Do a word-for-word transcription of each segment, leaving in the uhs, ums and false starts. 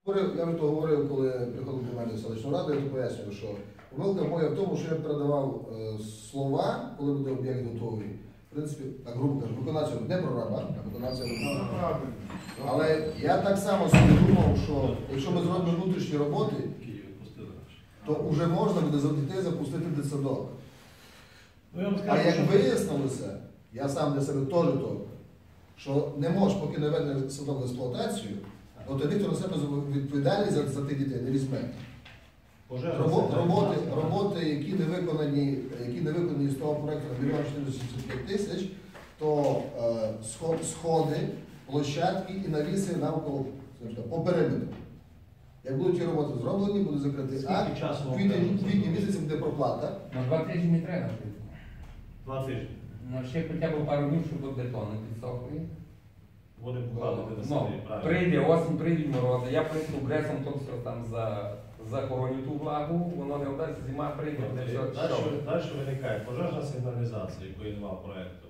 Я вже то говорив, коли приходив до мене в селищну раду, я то пояснюю, що помилка моя в тому, що я передавав е, слова, коли буде об'єкт готовий. В принципі, так грубо кажу, виконавця не прораба, а виконавця робить. Але я так само собі думав, що якщо ми зробимо внутрішні роботи, то вже можна буде за дітей запустити дитсадок. А як вияснилося, я сам для себе теж то, що не можеш, поки не введений садок в експлуатацію, то тоді хто на себе відповідальність за, за тих дітей не візьме. Роботи, роботи, роботи, які не виконані, які не виконані з того проєкту на мільйон чотириста сімдесят п'ять тисяч, то е, сходи, площадки і навіси навколо по периметру. Як будуть ті роботи зроблені, буде закритий акт, в квітні місяці буде проплата. На два тижні не треба. Два тижні. Ну, ще хоча б пару днів, щоб бетон не підсохли. Будемо покладати на Ну, селі, правильно. прийде осінь, прийдуть морози. Я прийду гресом, то все там за, захороню ту влагу, воно не вдасться, зима прийде, буде все. Далі, далі виникає пожежна сигналізація, якої немає проєкту.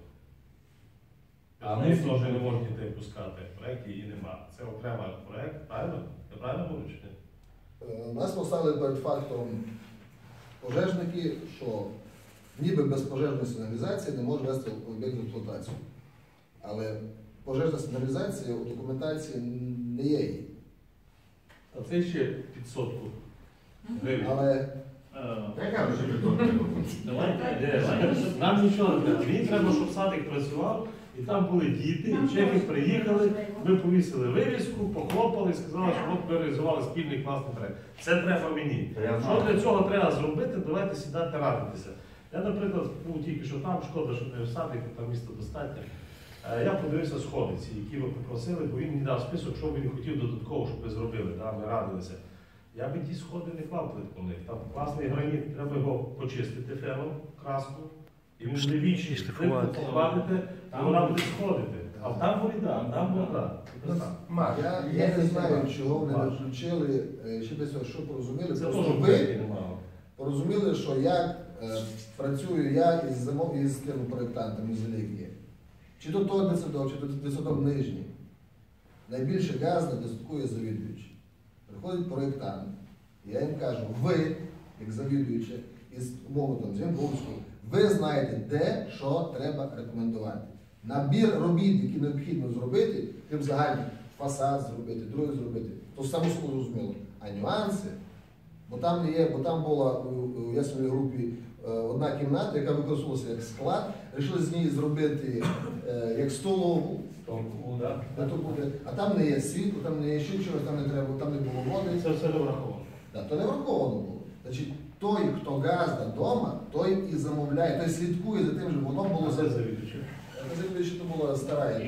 А ми теж не можуть дітей пускати, в проєкті її немає. Це окремий проєкт, правильно? Я правильно говорю чи ні? Нас поставили перед фактом пожежники, що ніби без пожежної сигналізації не може вести об'єкт в експлуатацію. Але пожежна сигналізація у документації не є її. А це ще під сотку гривень. Але Яка вже підтримка? Давайте, нам нічого не треба. Мені треба, щоб садик працював, і там були діти, і чехи приїхали, ми повісили вивіску, похлопали і сказали, що от ми реалізували спільний класний проєкт. Це треба мені. Що для цього треба зробити, давайте сідати радитися. Я, наприклад, був тільки що там, шкода, що не в садику, там місто достатньо. Я подивився сходи ці, які ви попросили, бо він мені дав список, що він хотів додатково, щоб ви зробили, да? Ми радилися. Я би ті сходи не клав плитку в них. Там класний граніт, треба його почистити феном, краску, і він буде вічний. Плитку покладете, і вона буде сходити. А там вода, там вода. я, я не знаю, чого вони не включили, ще десь що порозуміли. Це Просто теж ви немало. порозуміли, що як е, працюю я із зимов із тим проєктантом із Елігії. Чи то той дитсадок, чи то дитсадок нижній. Найбільше газ на дитсадку є завідуючий. Приходить проєктант, і я їм кажу, ви, як завідуючі, із умови там, Зінковського, ви знаєте, де, що треба рекомендувати. Набір робіт, які необхідно зробити, тим загальний фасад зробити, другий зробити, то само собою зрозуміло. А нюанси, бо там не є, бо там була у ясній групі одна кімната, яка використовувалася як склад, вирішили з неї зробити е, як столову, а там не є світло, там не є ще чогось, там не треба, там не було води. Це все не враховано. Да, то не враховано було. Значить, той, хто газда вдома, той і замовляє, той слідкує за тим, щоб воно було Це завідувачі. Завідуючи, то була стара.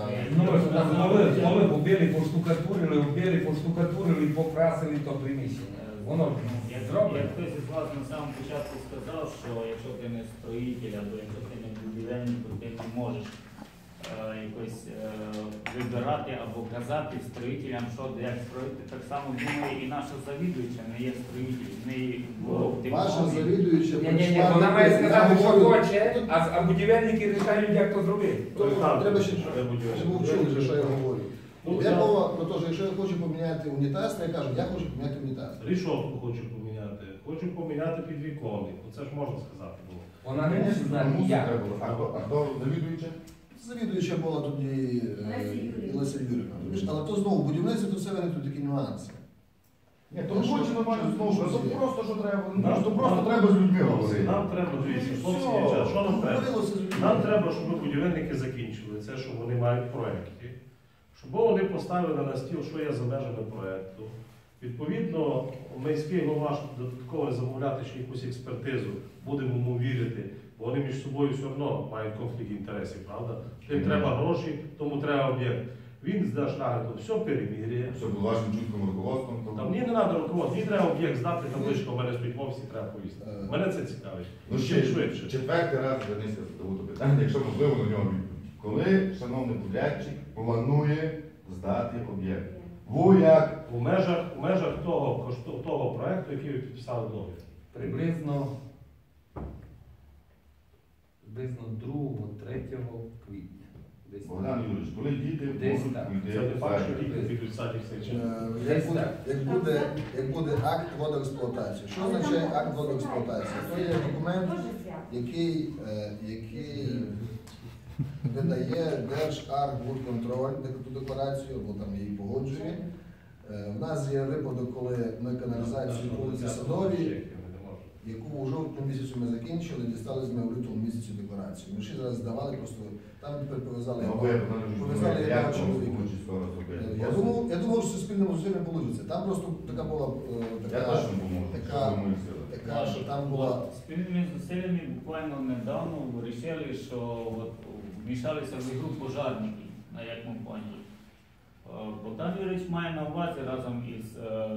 Нове побили, поштукатурили, оббили, поштукатурили, покрасили то приміщення. Воно зроблено. Хтось із вас на самому початку сказав, що якщо ти не строїтель або якщо ти не будівельник, то ти не можеш е, якось е, вибирати або казати строїтелям, що як строїти. Так само думає і наша завідуюча не є строїтель. В неї було Ваша завідуюча Ні, ні, ні, вона має сказати, що хоче, а, а будівельники рішають, як то зробити. Треба ще, щоб ви вчили, що я говорю. Я мова про те, що якщо я хочу поміняти унітаз, то я кажу, я хочу поміняти унітаз. Рішотку хочу поміняти, хочу поміняти підвіконник. Оце ж можна сказати було. Вона не може знати, як. А хто завідуюча? Завідуюча була тоді Леся Юрівна. Але то знову будівництво, то все вони тут такі нюанси. Ні, то хоче нормально знову, що Що то просто що треба. Нам- То просто треба з людьми говорити. Нам треба, дивіться, хлопці, дівчата, що нам треба? Говорилося з людьми. Нам треба, щоб будівельники закінчили це, що вони мають в проєкті. Щоб вони поставили на стіл, що є за межами проєкту. Відповідно, міський голова додатково замовляти ще якусь експертизу, будемо йому вірити, бо вони між собою все одно мають конфлікт інтересів, правда? Тим треба гроші, тому треба об'єкт. Він здаш нагляду, все переміряє. Все було вашим чутким руководством. Там мені не треба руководство, мені треба об'єкт здати, табличка у мене стоїть в офісі, треба повісти. Мене це цікавить. Ну Ще ще швидше. четвертий раз звернися до питання, якщо можливо на нього відповідь. Коли шановний подрядчик планує здати об'єкт? Ви як? У межах, у межах того, кошто- того проєкту, який ви підписали договір. Приблизно, приблизно другого-третього квітня. Десь. Богдан Юрійович, коли діти Десь можуть так. уйти Це не в факт, що садик? діти підуть в садик все чи ні. Е, Як Десь буде, так. як буде, як буде акт водоексплуатації. Що означає акт водоексплуатації? Це є документ, який, е, який видає Держархбудконтроль таку декларацію, або там її погоджує. Е, В нас є випадок, коли ми каналізацію вулиці Садовій, яку у жовтні місяці ми закінчили, дістали з ми в лютому місяці декларацію. Ми ще зараз здавали, просто там тепер пов'язали. Ну, або я Богдан Юрійович, Пов'язали думаю, як як чоловіка. воно звучить скоро зробити? Я думав, я думав, що суспільними зусиллями вийде. Там просто така була е, Я така, точно поможу, така, що думаю, сила. така, що там була. Спільними зусиллями буквально недавно вирішили, що от вмішалися в ігру пожарники на якому плані. Е, Богдан Юрійович має на увазі разом із, е,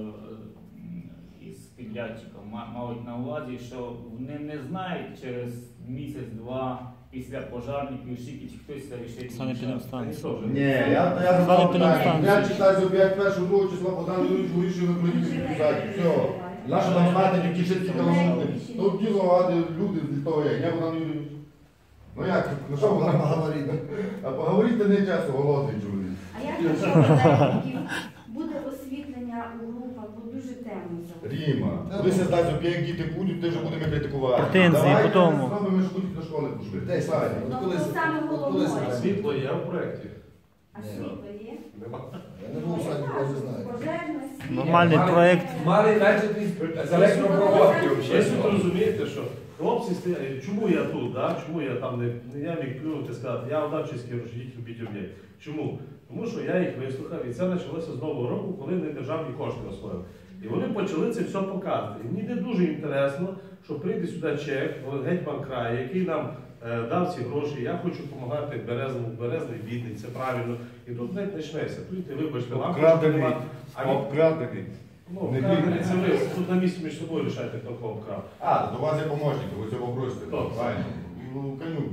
із підрядчиком, ма- мають на увазі, що вони не знають через місяць-два після пожарників, скільки чи хтось вирішить. Ніхто вже Ні, я, я задав питання. Я читаю об'єкт першого другого числа, Богдан Юрійович вирішив виходити в садик. Все. Наша там знати, які ще ці колони. Тут діло ради люди з того є. Я Богдан Юрійович. Ну як, ну що Вона Богдан? поговорила. А поговорити не часу, голодний чоловік. А як якщо податків буде освітлення у групах, бо дуже темно зараз. Ріма, коли се здасть об'єкт, діти будуть, ти вже будемо критикувати. Претензії Давай, по тому. зробимо, що будуть до школи пішли. Десь. Садик. От Тобто коли- саме от коли головне. це- світло є в проєкті. А Ні. світло є? Нема. Я не був в садику, я не знаю. Пожежна світло. Нормальний проект. Мали почати з електропроводки Ви взагалі. собі розумієте, що хлопці стоять, чому я тут, да? Чому я там не, не я міг плюнути і сказати, я Одавчинський рушіть робіть об'єкт. Чому? Тому що я їх вислухав, і це почалося з нового року, коли вони державні кошти освоїли. І вони почали це все показувати. І мені не дуже інтересно, що прийде сюди чек, гетьман краю, який нам е, дав ці гроші. Я хочу допомагати Березному, Березний бідний, це правильно. І тут навіть почнеться. Тут ти вибачте, вам Обкрадений. нема. А він- Обкрадений. Ну, Не вкрадений бідний. це ви. Тут на місці між собою рішайте, хто кого вкрав. А, то у вас є помощник, ви цього бросите. Хто? Правильно. Ну, конюк.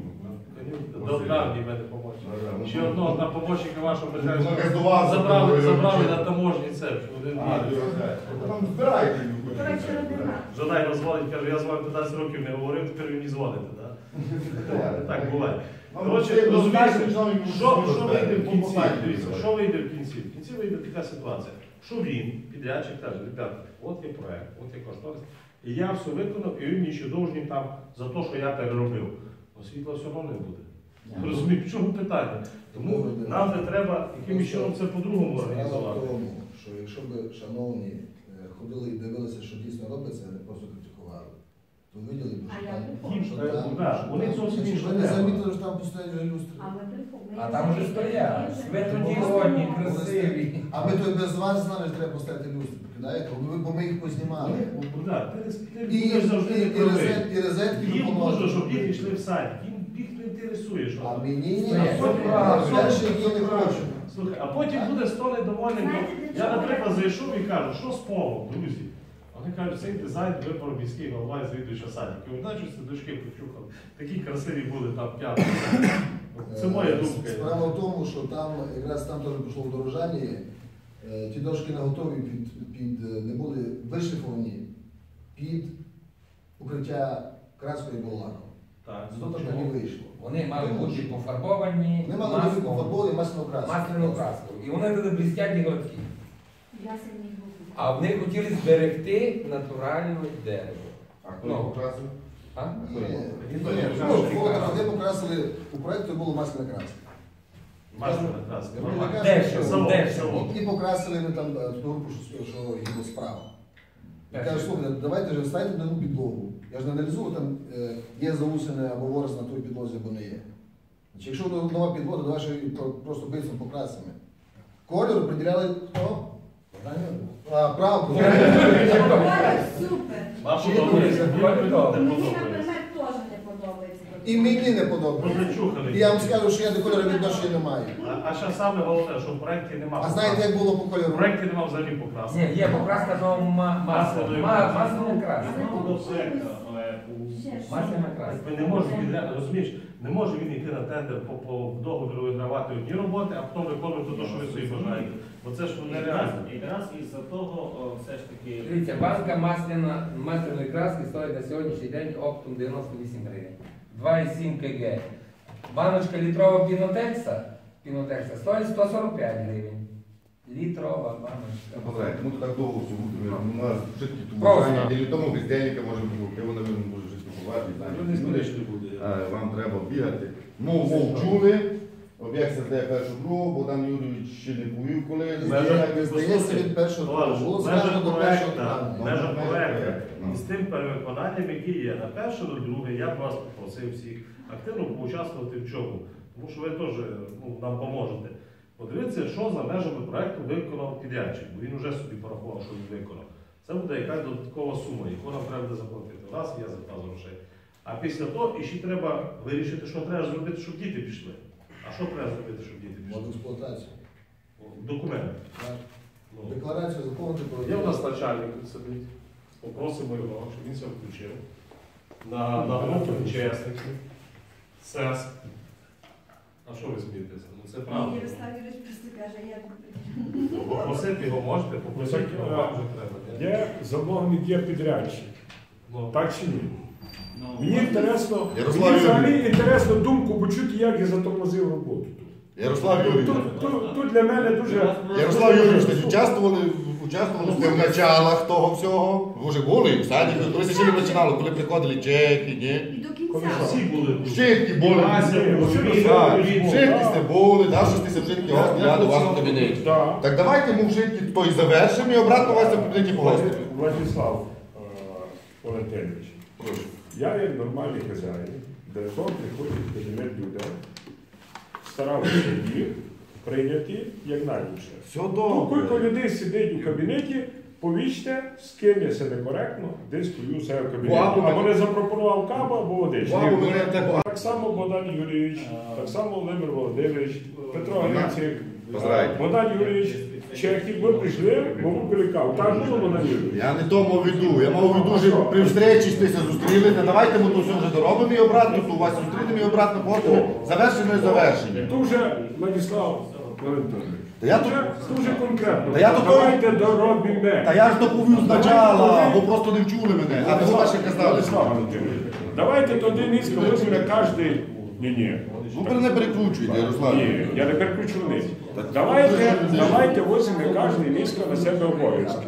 Добра мені мене помочь. Ну, Ще одного на помощника вашого Ну, Березного якось до вас забрали, запропонує, забрали чи- на таможні це. Один А, день. ви там збирайте. До речі, родина. Жадай розвалить, каже, я з вами п'ятнадцять років не говорив, тепер ви мені дзвоните, так? Так буває. Коротше, розумієш, що, що вийде в кінці? Дивіться, що вийде в кінці? В кінці вийде така ситуація, що він, підрядчик, каже, ребята, от є проект, от є кошторис, і я все виконав, і він мені ще довжний там за те, що я переробив. Но світла все одно не буде. Розумієте, в чому питання? Тому нам не треба якимось чином це по-другому Справа в організувати. тому, що якщо б шановні е, ходили і дивилися, що дійсно робиться, а не просто критикували, то виділи б, А що я там, припомню. що Їм, там, е, да, що вони там- зовсім Значить, інше ви не треба. замітили, що там постоять вже люстри. А ми припомнили. А там уже стоять. Светлоді годні, красиві. А ми то без вас знали, що треба поставити люстри, покидаєте? Бо ми, бо ми їх познімали. Ну, Богдан, ти не ти І, будеш завжди і, не і, правий. розет, і розетки Їм ми можна, поможемо. щоб діти йшли в садик. Їм їх не інтересує, що А там. мені ні, Ні, а це правда. перше я не хочу. Слухай, а потім буде сто недовольних. Знаєте, бо для Я, чого наприклад, я- зайшов і кажу, що з полом, друзі? Вони кажуть, цей дизайн вибрав міський голова і завідуюча садики. Ви знаєте, що це дочки почухали? Такі красиві були там п'яти. Це моя Е, думка. Справа в тому, що там якраз там теж пішло вдорожання. Е, Ті дошки не готові під, під е, не були вишліфовані під укриття краскою або лаком. Так, Зато так не вийшло. Вони мали бути пофарбовані Вони мали бути маслом, пофарбовані масляну краску. масляну краску. І вони туди блістять і гладкі. Ясені групи. А вони хотіли зберегти натуральне дерево. А хто Ну. його покрасив? А? Ні, ні, Ніхто не ні, покаже, ну, що фото, краску. вони покрасили, у проєкту було масляна краска. Масляна краска. Я Нормально. кажу, Дешево, Салон, дешево. салон. І покрасили ми там е, ту групу, що, що їде справа. Я кажу, слухайте, давайте вже вставайте на нову підлогу. Я ж не аналізую, там е, є заусене або ворос на той підлозі, або не є. Значить, якщо нова підлога, то давай ще її про- просто бисом покрасимо. Кольор приділяли хто? А, правду. Супер. Вам Чи подобається? ні? Мені не Мені, подобається. наприклад, теж не подобається. І мені не подобається. Позачухали. І я вам скажу, що я до кольору відношення не маю. А, а ще саме головне, що в проєкті немає. А знаєте, як було по В кольору? проєкті немає взагалі покраски. Ні, є покраска до ма- масла. Ма- Масляна краска. Ну, все, е, у- Ще ж. Масляна краска. Ми не можемо підряд, розумієш, не може він йти на тендер по, по договору вигравати одні роботи, а потім виконувати те, що ви собі бажаєте. Бо це ж нереально. Якраз із-за того о, все ж таки. Дивіться, банка масляна, масляної краски стоїть на сьогоднішній день оптом дев'яносто вісім гривень. два і сім кг. Баночка літрова пінотекса, пінотекса стоїть сто сорок п'ять гривень. Літрова баночка. Позрайте, ну то так довго все буде. У нас житки Просто. тубування, і тому бездельника може бути, його, мабуть, може жити купувати. Люди смішні буде. Вам треба бігати. Мов, мов чули, об'єкт стає першу другу, Богдан Юрійович ще не повів коли. Здається, від першого Товариш, було в сказано межах до першого проекту, плану. в межах Ну, проекту, ну. і з тим перевиконанням, яке є на перше, на друге, я б вас попросив всіх активно поучаствувати в чому. Тому що ви теж ну, нам поможете. Подивіться, що за межами проекту виконав підрядчик, бо він вже собі порахував, що він виконав. Це буде якась додаткова сума, яку нам треба буде заплатити. У нас є запас грошей. А після того ще треба вирішити, що треба зробити, щоб діти пішли. А що треба зробити, щоб діти пішли? Мод експлуатації. Документи. Так. Ну. Декларацію заповнити про Є в нас начальник тут сидить. Попросимо його, щоб він це включив. На, на групу учасників. СЕС. А що ви смієтеся? Ну це правда. Ярослав Юрійович просто каже, я Попросити його можете, попросити Ну, так, його вам вже треба. Є замовник, є підрядчик. Ну, Так чи ні? Ну, Мені інтересно, Ярослав мені взагалі Юрійович. інтересно думку почути, як я затормозив роботу тут. Ярослав Юрійович. Тут, тут, тут для мене дуже... Ярослав Юрійович, ви участвували, участвували сте в началах того всього? Ви вже були в садіку, коли ще не починало, коли приходили чехи, ні? і до кінця. всі були тут. Вчитки були. Ася, Василь Так, Васильович, вчитки так. сте були, да, що сте вчитки гостя до вас в кабінеті. Так. Так давайте ми вчитки той завершимо і обратно вас в кабінеті погостимо. Владислав е, Валентинович, Прошу. я як нормальний хазяїн, де сон приходить в кабінет людей, старався їх прийняти як найліпше. Все Тут кілька добре. людей сидить у кабінеті, повічте, з ким я себе коректно, десь стою себе в кабінеті. Або Або мене- не запропонував каву, або водичку. Або мене так- Так само Богдан Юрійович, так само Володимир Володимирович, Петро Грицик, Поздравляю. Богдан Юрійович, Чехів, ми прийшли, ми випили каву. Так було, Богдан Юрійович? Я не то мав в виду. Я мав в виду, що при встречі стися зустріли. Та давайте ми то все вже доробимо і обратно, то у вас зустрінемо і обратно погостимо. Завершено і завершення. Дуже, Владислав Валентинович, Та я тут- дуже, дуже конкретно. Та я тут- Давайте доробимо. Та я ж доповів спочатку, бо просто не вчули мене. А ви ваші казали. Владислав Валентинович, давайте тоді низько візьме кожен. Ні, ні. Ну ви не перекручуйте, Ярослав. Ні, я не переключу вниз. Давайте, давайте візьме кожен низько на себе обов'язки.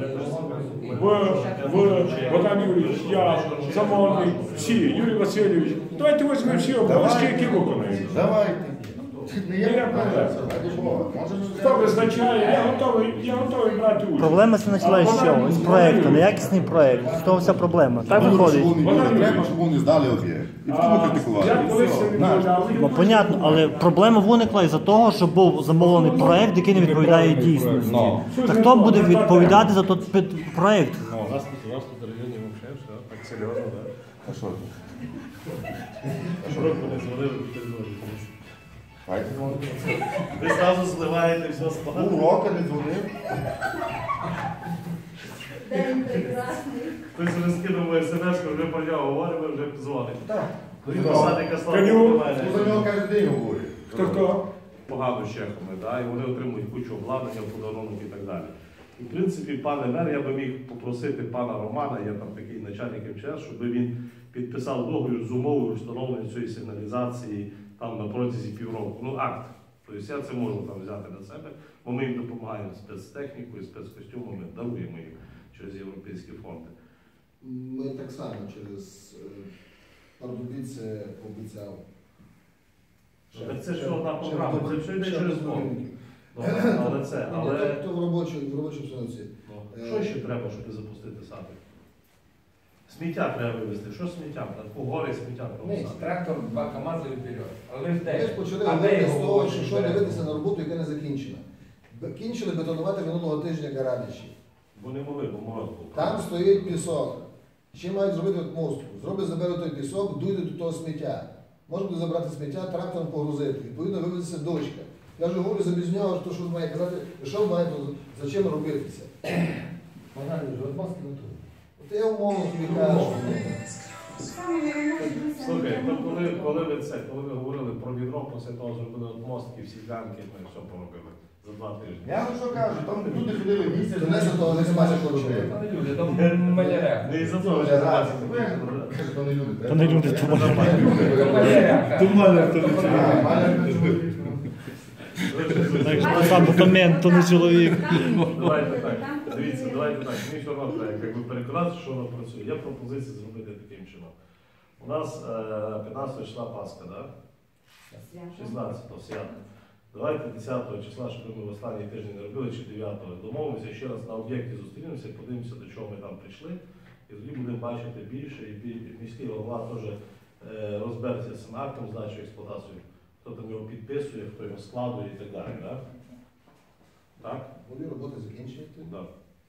В, в Богдан Юрійович, я, замовник, всі, Юрій Васильович. Давайте візьмемо всі обов'язки, які виконаємо. Давайте. Не Ні, є я проблема. проблема. Ради Бога. Може, Хто визначає, я готовий, я готовий брати участь. Проблема це почалася з чого? З проєкту, неякісний проєкт. З того вся проблема. Так Щоб виходить. вони люди, треба, щоб вони здали об'єкт. І в тому Я критикувати. колись відмовляв. Ну, понятно, але проблема виникла із-за того, що був замовлений проєкт, який не відповідає дійсності. Ну. Та хто буде відповідати за той під- проєкт? Ну, у нас тут, у нас тут в районі взагалі все так серйозно, так? А що ти? Аж року не дзвонили до території. Хайте дзвонить. Ви зразу зливаєте все складно. Ну, рока не дзвонив. День прекрасний. Хтось вже скинув смс, вже про нього говоримо, вже дзвонить. Так. Він посадника слава Каню. до Ну, за мене. нього кожен день говорить. Хто хто? Погано з чехами, да? І вони отримують кучу обладнання, подарунок і так далі. І, в принципі, пане мер, я би міг попросити пана Романа, я там такий начальник ем че ес, щоб він підписав договір з умовою встановлення цієї сигналізації там на протязі півроку. Ну, акт. Тобто я це можу там взяти на себе, бо ми їм допомагаємо спецтехнікою, спецкостюмами, даруємо їм через європейські фонди. Ми так само через Пардубіце обіцяв. Так це ж одна Ще програма, в це все йде ще через в фонд. Домініки. Ну, але це, Ні, але... то- То в робочій в робочій обстановці. Ну, що ще треба, щоб запустити садик? Сміття треба вивезти. Що сміття? По гори сміття Ні, провозити. трактор, два КАМАЗи і вперед. Але ж Ми де? ж почали А де говорити з його того, вивозити що що вперед? дивитися на роботу, яка не закінчена. Б- Кінчили бетонувати минулого тижня гаражі. Бо не могли, бо мороз був. Там стоїть пісок. Ще мають зробити от мостку. Зроблять, заберуть той пісок, дуйте до того сміття. Можна буде забрати сміття, трактором погрузити. Відповідно, вивезеться дочка. Я вже говорю за Бізнього, що що має казати, що має, то зачем робитися. Вона ж от мозки на ту. От я умовно тобі кажу. Саме головне, дивися, Слухай, ну, то коли, коли ви це, коли ви говорили про відро, після того зробили от мостки, всі ганки, ми все поробили за два тижні. Я вам що кажу, там люди ходили місяць. То не за того не смачно робити. Та не люди, там маляра. Не із-за Це того, вже що раз. це Кажу, то не люди. То не люди, то То маляра. То маляр, то не А, чоловік. маляр не чоловік. Так що сам то мент, то не чоловік. Давайте так. Дивіться, давайте так. Мені все одно треба якби переконати, що воно працює. Є пропозиція зробити таким чином. У нас е, п'ятнадцятого числа Пасха, так? шістнадцятого свято. Давайте десятого числа, щоб ми в останній тиждень не робили, чи дев'ятого. Домовимося ще раз на об'єкті зустрінемося, подивимося, до чого ми там прийшли. І тоді будемо бачити більше, і бі- міський голова теж е, розбереться з цим актом здачі експлуатацію, хто там його підписує, хто його складує і так далі. Так? Так? Вони роботи закінчуєте. Да.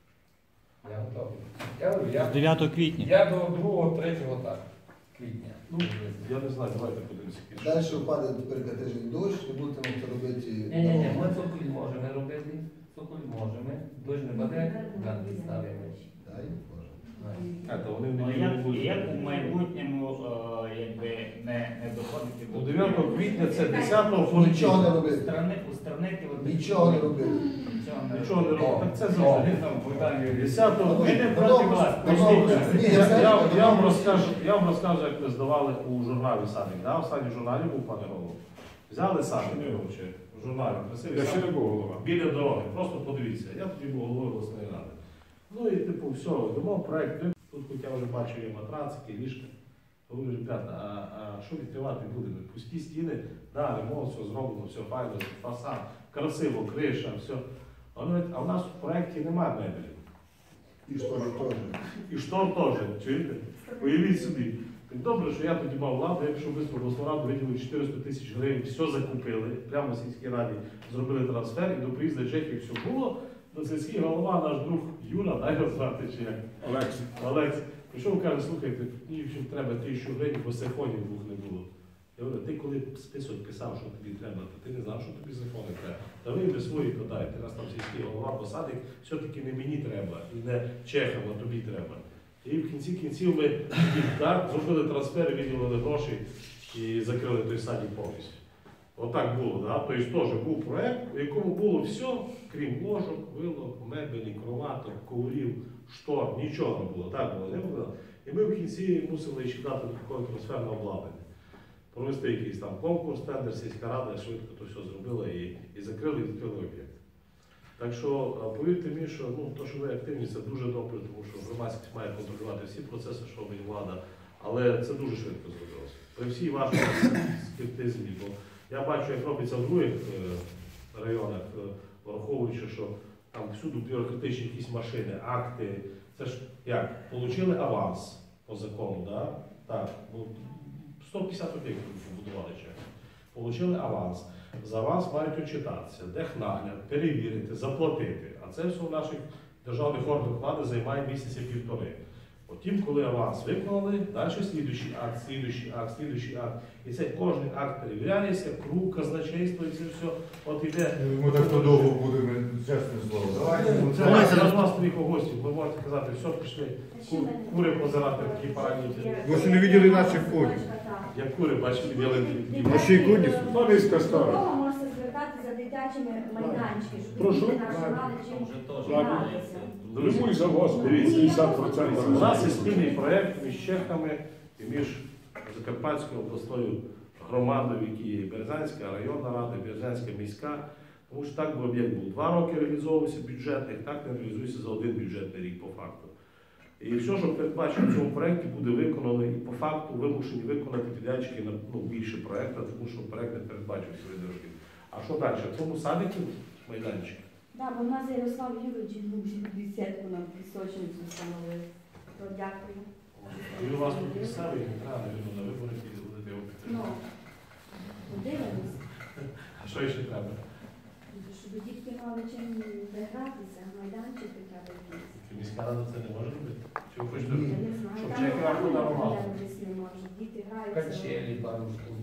Я готовий. Я говорю, я- дев'ятого квітня. Я до другого, третього так. Квітня. Ну, я не знаю, давайте подивимося. Далі впаде тепер тиждень дощ, не будете могти робити. Ні, ні, ні, ми цоколь можемо робити, цоколь можемо, дощ не буде, ганки ставимо. Дай Боже. А, то вони Ну, не як, будуть. як у майбутньому е, якби не, не доходити Ну, дев'ятого квітня це десятого Нічого не робити. Устранити, устранити от такі- Нічого не робити. Нічого не Нічого не робити. Так це О, завжди. ну, Богдан Юрійович. десятого Ми не Ну, проти добре, вас. ну, Послухайте, Ні, я, я я, знаю, я, вам добре. розкажу, я вам розкажу, як ми здавали у журналі самі. Да? Останній журналі був, пане голову. Взяли самі, коротше, в журналі, красивий Я ще самі, не був голова. біля дороги. Просто подивіться. Я тоді був головою обласної ради. Ну і типу, все, думав проект. Тут хоч я вже бачу є матрацики, ліжка. Говорю, ребята, а, а що відкривати будемо? Пусті стіни, да, ремонт, все зроблено, все файно, фасад, красиво, криша, все. А вони говорять, а в нас в проєкті немає мебелі. І що ж теж. І штор теж, чуєте? Уявіть собі. Так добре, що я тоді мав владу, я пішов швидко в обласну раду, виділили чотириста тисяч гривень, все закупили, прямо в сільській раді зробили трансфер, і до приїзду Чехії все було. До сільський голова, наш друг Юра, дай його звати, чи як? Олекс. Олекс. Прийшов, каже, слухайте, мені ще треба тисячу гривень, бо сифонів двох не було. Я говорю, ти коли список писав, що тобі треба, то ти не знав, що тобі сифони треба. Та ви би свої подайте, раз там сільський голова посадить, все-таки не мені треба, і не чехам, а тобі треба. І в кінці кінців ми так, зробили трансфер, виділили гроші і закрили той садик повністю. Отак було, да? Тобто теж був проєкт, у якому було все, крім ложок, вилок, мебелі, кроваток, коврів, штор, нічого не було. Так було, не було. І ми в кінці мусили ще дати такого трансферне обладнання. Провести якийсь там конкурс, тендер, сільська рада швидко то все зробила і, і закрили, і відкрили об'єкт. Так що, повірте мені, що ну, то, що ви активні, це дуже добре, тому що громадськість має контролювати всі процеси, що робить влада, але це дуже швидко зробилося. При всій вашій скептизмі, бо я бачу, як робиться в других е, районах, е, враховуючи, що там всюди бюрократичні якісь машини, акти. Це ж як? Получили аванс по закону, да? Так, бо сто п'ятдесят об'єктів побудували ще. Получили аванс. За аванс мають очитатися, технагляд, перевірити, заплатити. А це все в наших державних органах влади займає місяця півтори. Потім, коли аванс виконали, далі слідуючий акт, слідуючий акт, слідуючий акт. І це кожен акт перевіряється, круг, казначейство і це все. От іде. Ми так подовго будемо, чесне слово. Давайте. Це Давай, це зараз. до вас своїх гостів. Ви можете казати, все, пішли. Ку- Кури позирати в такі параніті. Ви ще не виділи наших коней. Як кури, бачили, ялинки. Наші коні. То низька стара. Кого можете звертати за дитячими майданчиками, щоб Прошу. діти наші мали чим Вже теж Ладно. мається. Прямуй за вас, Дивіться. п'ятдесят У процентів. нас є спільний проєкт між Чехами і між Закарпатською обласною громадою, які є Березанська районна рада, Березанська міська. Тому що так би об'єкт був два роки реалізовувався бюджетних, так не реалізується за один бюджетний рік по факту. І все, що передбачено в цьому проєкті, буде виконано і по факту вимушені виконати підрядчики на ну, більше проєкту, тому що проєкт не передбачив свої дороги. А що далі? В цьому садику майданчик? Так, бо в нас Ярослав Юрійович бесідку на пісочницю встановив. То дякую. Він у вас тут місцевий, не треба, навіть на вибори піде, будете його Ну, підтримувати. подивимось, А що ще треба? щоб дітки мали чим гратися, майданчик хоча б якийсь. Чи міська рада це не може робити? Чи ви хочете? Ні. Я не знаю, Щоб там чеки вам там подарували. десь не можуть, діти граються. Качелі, пару штук.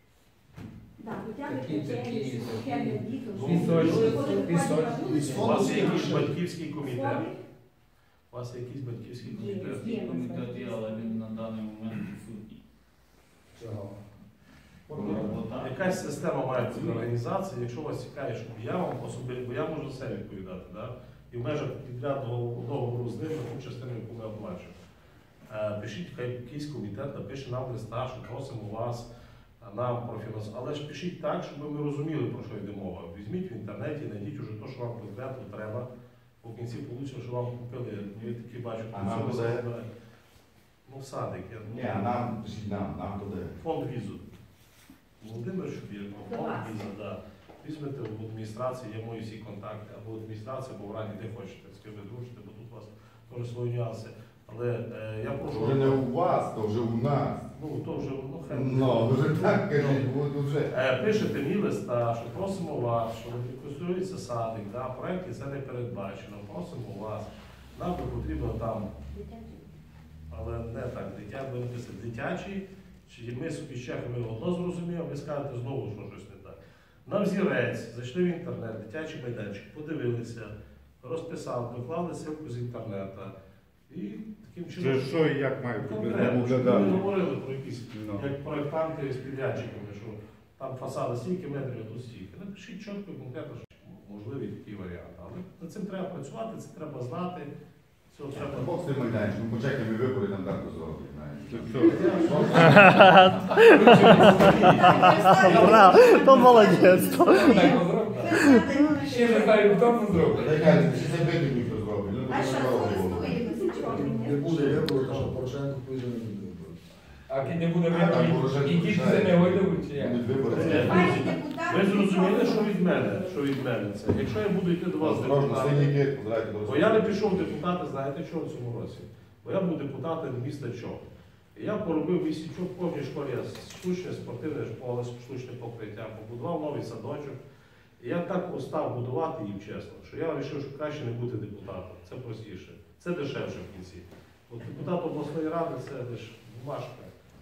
Так, хоча б Такі, такі, качелі, такі. сухе для діток. Ну, щоб пісочні, вони ходили, пісочні. ходили, Із У фонду вас є якийсь скільки? батьківський комітет. ходили. У вас є якийсь батьківський Є. комітет? Є комітет є, але він на даний момент відсутній. Чого? Робота. Якась система має бути організації, якщо вас цікавить, щоб я вам особисто, бо я можу за себе відповідати, да? І в межах підрядного договору з ними, ту частину, яку ми оплачуємо. Е, Пишіть, хай якийсь комітет напише нам листа, що просимо вас, а нам профінансувати. Але ж пишіть так, щоб ми розуміли, про що йде мова. Візьміть в інтернеті, знайдіть уже те, що вам конкретно треба. В кінці вийде, що вам купили, я такі бачу, А нам що куди? ви- ну, садик. Я... Ні, а нам, пишіть нам, нам туди. Фонд візу. Володимир Шубірко, До фонд вас. віза, да. Візьмете в адміністрації, є мої всі контакти, або в адміністрації, або в раді, де хочете, з ким ви дружите, бо тут у вас теж свої нюанси. Але е, я прошу. То вже не у вас, то вже у нас. Ну, то вже, ну, хай. Ну, вже так кажіть, бо вже. Е, Пишете мені листа, що просимо вас, що реконструюється садик, да, в проєкті це не передбачено, просимо вас. Нам би потрібно там, але не так, дитя, ви написати дитячий, чи ми собі з чехами одно зрозуміємо, ви скажете знову, що щось не так. На взірець, зайшли в інтернет, дитячий майданчик, подивилися, розписали, доклали ссылку з інтернету. І таким чином. Вже що і як має Конкретно, щоб ми виглядати? не говорили про якісь, Ну. як проєктанти з підрядчиками, що там фасади стільки метрів, а тут стільки. Напишіть чітко і конкретно, що можливий такий варіант. Але над цим треба працювати, це треба знати. Цього треба. Бог з тим майданчиком, почекаємо вибори, там так зроблять, знаєш. Браво, то молодець. то. Ще не знаю, хто це зробить. Та й кажуть, що це вибір ніхто зробить. Ну, А то що, не зробить. користуємося чого Не буде вибору, тому що Порошенко поїде не буде вибору. А ким не буде А, там виборів, Порошенко і діти рішає. це не гойдуть, чи як? Будуть вибори. Ні, це- Пані депутат, Ви зрозуміли, що від мене, що від мене це. Якщо я буду йти до вас Осторожно, депутатом, синіки, позирайте до бо я не пішов в депутати, знаєте чого в цьому році? Бо я був депутатом міста Чоп. І я поробив в місті Чоп, в кожній школі я штучне спортивне поле, штучне покриття, побудував новий садочок. І я так устав будувати їм чесно, що я вирішив, що краще не бути депутатом. Це простіше. Це дешевше в кінці. От депутат обласної ради це лише бумажка.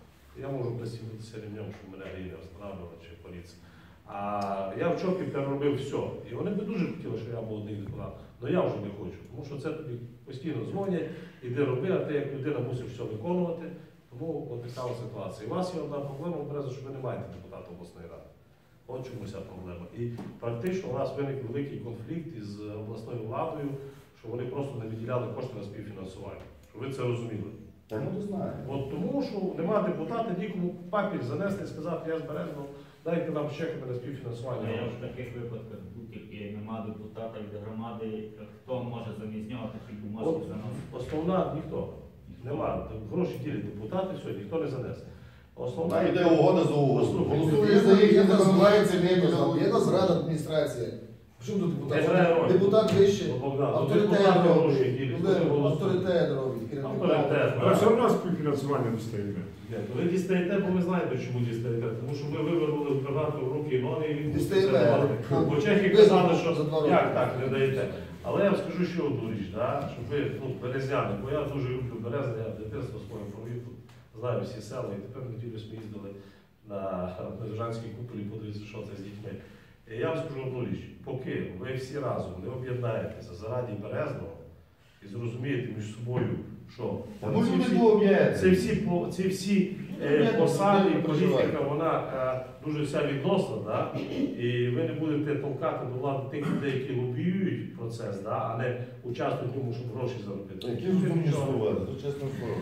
Я можу присягнутися ремнем, що мене грі не встановлювала чи поліція. А я в Чопі переробив все. І вони б дуже хотіли, щоб я був один депутат. Але я вже не хочу, тому що це тобі постійно дзвонять, іди роби, а ти як людина мусиш все виконувати. Тому от така от ситуація. І у вас є одна проблема, Береза, що ви не маєте депутата обласної ради. От чому ця проблема. І практично у нас виник великий конфлікт із обласною владою, що вони просто не виділяли кошти на співфінансування. Щоб ви це розуміли. Та ну ти знаєш. От тому, що нема депутата, нікому папір занести і сказати, я з Березного, дайте нам чеки на співфінансування. Я в таких випадках будь-які нема депутата від громади, хто може замість нього такі бумажки От заносити. основна ніхто. Нема. Гроші ділять депутати, все, ніхто не занесе. Основна Вона йде угода за угоду. Послухайте, Голосує за їх, Є не нас розбирається, не влада, є нас рада адміністрація. Чому тут Не грає депутат? роль. Депутат вище, Ну, Богдан, ну, авторитет депутати робить. гроші ділять, Ну, вони голосують. авторитет робить. керівник. Авторитет. А все одно співфінансування достаємо. Ні, Ви дістаєте, бо ви знаєте, чому дістаєте. Тому що ми вивернули губернатор в руки і ноги, і він Дістаєте. це давати. Бо чехи Ви казали, за що два роки. як так не даєте. Але я вам скажу ще одну річ, да? Щоб ви, ну, березняни, бо я дуже люблю Березне, я в дитинство своє провів тут, знаю всі села, і тепер неділю ми їздили на Бережанській куполі, подивитися, що це з дітьми. І я вам скажу одну річ, поки ви всі разом не об'єднаєтеся заради Березного і зрозумієте між собою, що Та ну ці люди всі- об'єднують. ці всі, по- ці всі е, посади, і політика, вона е, дуже вся відносна, да? І ви не будете толкати до влади тих людей, які лобіюють процес, да? А не участвують в ньому, щоб гроші заробити. Які розумні слова, це чесне слово.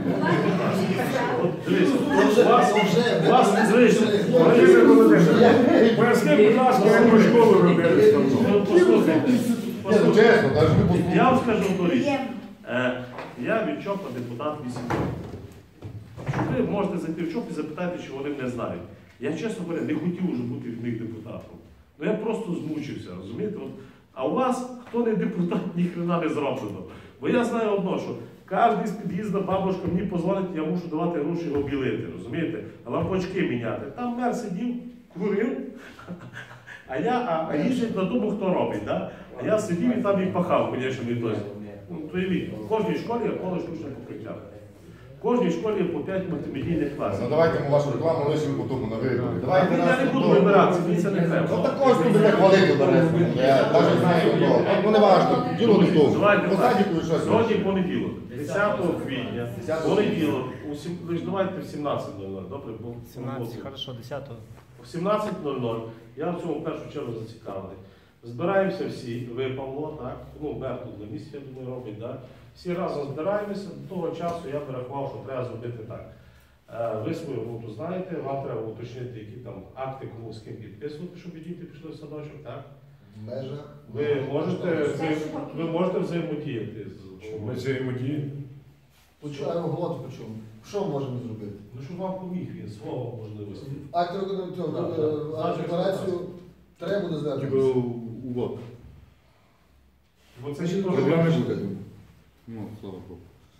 От дивись, Це вже- у вас, це вже- у вас, дивись, Володимир Володимирович, поясни, будь ласка, яку школу робили з тобою? ну, послухайте, Ні, ну послухайте. чесно, навіть не послухай. Я вам скажу одну річ. Є. Е, Я від ЧОПа депутат вісім років. Що ви можете зайти в ЧОП і запитати, чи вони мене знають. Я, чесно говоря, не хотів уже бути в них депутатом. Ну я просто змучився, розумієте? От, а у вас, хто не депутат, ні хрена не зроблено. Бо я знаю одно, що кожен з під'їзду бабушка мені позвонить, я мушу давати гроші обілити, розумієте? Лампочки міняти. Там мер сидів, курив, а я, а, а їздять на тому, хто робить. Да? А я сидів і там і пахав, звісно, не той. Ну, то і в кожній школі я поле штучне покриття. В кожній школі по п'ять мультимедійних класів. Ну давайте ми вашу рекламу лишимо по тому на виборі. А Давайте я нас не буду тут- вибиратися, мені це не Ну треба. також тут буде хвалити березку. Я навіть знаю хто. Ну не важливо, діло не в тому. Давайте По так. садіку і щось. Сьогодні понеділок, десятого квітня, понеділок, у сім- ви ж давайте в сімнадцять нуль нуль, добре? Бо- сімнадцять, хорошо, десятого. В сімнадцять нуль нуль я в цьому в першу чергу зацікавлений. Збираємося всі, ви, Павло, так? Ну, мер тут на місці, я думаю, робить, так? Всі разом збираємося, до того часу я вирахував, що треба зробити так. Е, Ви свою роботу знаєте, вам треба уточнити, які там акти, кому з ким підписувати, щоб діти пішли в садочок, так? В межах. Ви можете, взаєм- ви можете взаємодіяти з Ми взаємодіємо. Почув, а голод почув. Що можемо зробити? Ну, щоб вам поміг він, свого можливості. Акт рекомендацію, Так, так. декларацію треба буде Типу, звернутися. увод. Бо це ще Проблем теж. не буде. Ну, слава Богу.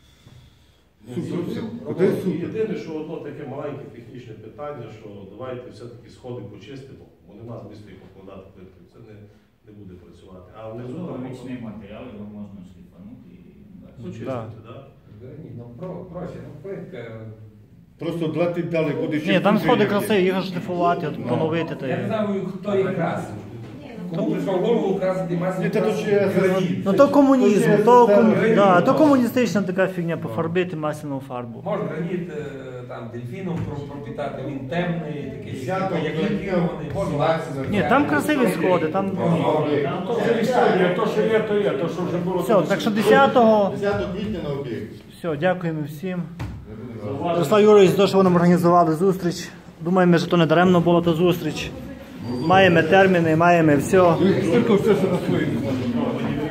Супер. І Єдине, що одно таке маленьке технічне питання, що давайте все-таки сходи почистимо, бо нема змісту їх покладати плиткою. Це не, не буде працювати. А внизу там Помічний матеріал, його можна шліфанути і далі. почистити, так? Ні, ну про, проще, ну плитка. Просто дати далі буде ще. Ні, там сходи красиві, їх шліфувати, от поновити. Та Я не й- знаю, хто їх красив. Кому прийшов в голову красити масляну Ні, та то ще граніт. Ну то комунізм, Це- то, це- ком... це- да, то комуністична така фігня, пофарбити масляну фарбу. Може граніт е, там дельфіном про- пропітати, він темний, такий Десятого як квітня лакірований, може лаксі. Ні, там красиві сходи, там... То вже історія, то, що є, то є, то, що вже було. Все, так що десятого, десятого квітня на об'єкт. все, дякуємо всім. Зауваження? Ярослав Юрійович, за те, що ви нам організували зустріч. Думаємо, що то не даремно була та зустріч. Маємо терміни, маємо все. Скільки все, що на своїй.